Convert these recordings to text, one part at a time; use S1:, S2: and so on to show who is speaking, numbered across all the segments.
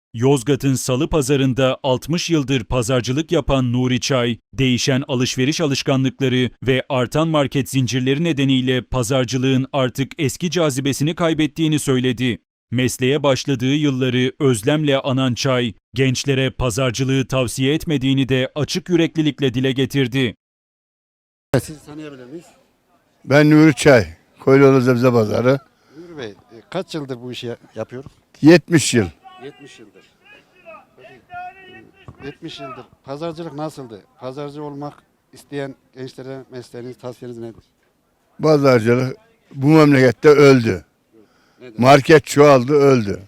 S1: Yozgat'ın Salı Pazarı'nda 60 yıldır pazarcılık yapan Nuri Çay, değişen alışveriş alışkanlıkları ve artan market zincirleri nedeniyle pazarcılığın artık eski cazibesini kaybettiğini söyledi. Mesleğe başladığı yılları özlemle anan Çay, gençlere pazarcılığı tavsiye etmediğini de açık yüreklilikle dile getirdi.
S2: Sizi tanıyabilir miyiz?
S3: Ben Nuri Çay, Koyloğlu Sebze Pazarı.
S2: Nuri Bey, kaç yıldır bu işi yapıyoruz?
S3: 70 yıl.
S2: 70 yıldır. Peki, 70 yıldır. Pazarcılık nasıldı? Pazarcı olmak isteyen gençlere mesleğiniz, tavsiyeniz nedir?
S3: Pazarcılık bu memlekette öldü.
S2: Neden?
S3: Market çoğaldı, öldü.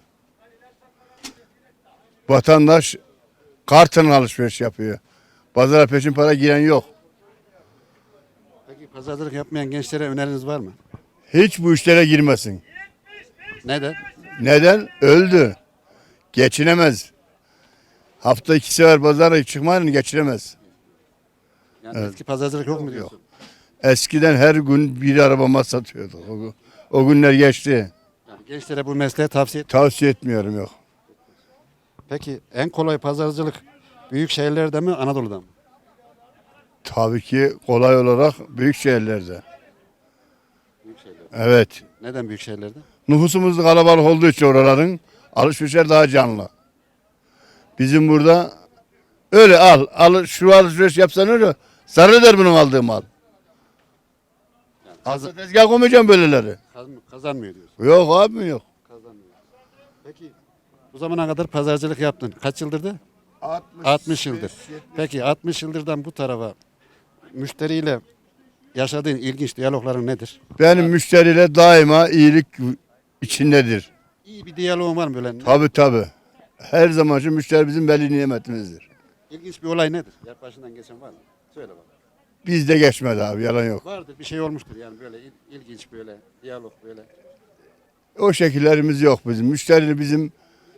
S3: Vatandaş kartın alışveriş yapıyor. Pazara peşin para giren yok.
S2: Peki pazarcılık yapmayan gençlere öneriniz var mı?
S3: Hiç bu işlere girmesin.
S2: Neden?
S3: Neden? Öldü. Geçinemez. Hafta 2 sefer pazara çıkmayın geçinemez.
S2: Yani eski pazarcılık yok mu diyorsun?
S3: Eskiden her gün bir arabama satıyorduk. O günler geçti.
S2: Yani gençlere bu mesleği tavsiye et.
S3: Tavsiye etmiyorum yok.
S2: Peki en kolay pazarcılık büyük şehirlerde mi, Anadolu'da mı?
S3: Tabii ki kolay olarak büyük şehirlerde.
S2: Büyük şehirlerde.
S3: Evet.
S2: Neden büyük şehirlerde?
S3: Nüfusumuz kalabalık olduğu için oraların alışverişler daha canlı. Bizim burada öyle al şu alışveriş yapsan öyle sarıdır bunun aldığı mal. Aslında tezgah koymayacağım böyleleri.
S2: Kazanmıyor diyorsun.
S3: Yok abi yok.
S2: Kazanmıyor. Peki bu zamana kadar pazarcılık yaptın. Kaç yıldırdı? 60 yıldır. Peki 60 yıldırdan bu tarafa müşteriyle yaşadığın ilginç diyalogların nedir?
S3: Benim müşteriyle daima iyilik içindedir.
S2: İyi bir diyaloğun var mı böyle?
S3: Tabii. Her zaman şu müşteri bizim belli nimetimizdir.
S2: İlginç bir olay nedir? Başından geçen var mı? Söyle bak.
S3: Bizde geçmedi abi yalan yok.
S2: Vardır bir şey olmuştur yani böyle ilginç böyle diyalog böyle.
S3: O şekillerimiz yok bizim. Müşteri bizim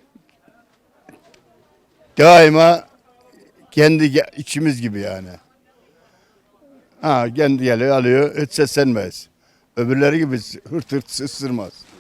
S3: daima kendi içimiz gibi yani. Ha kendi geliyor alıyor hiç seslenmez. Öbürleri gibi hırt ısırmaz.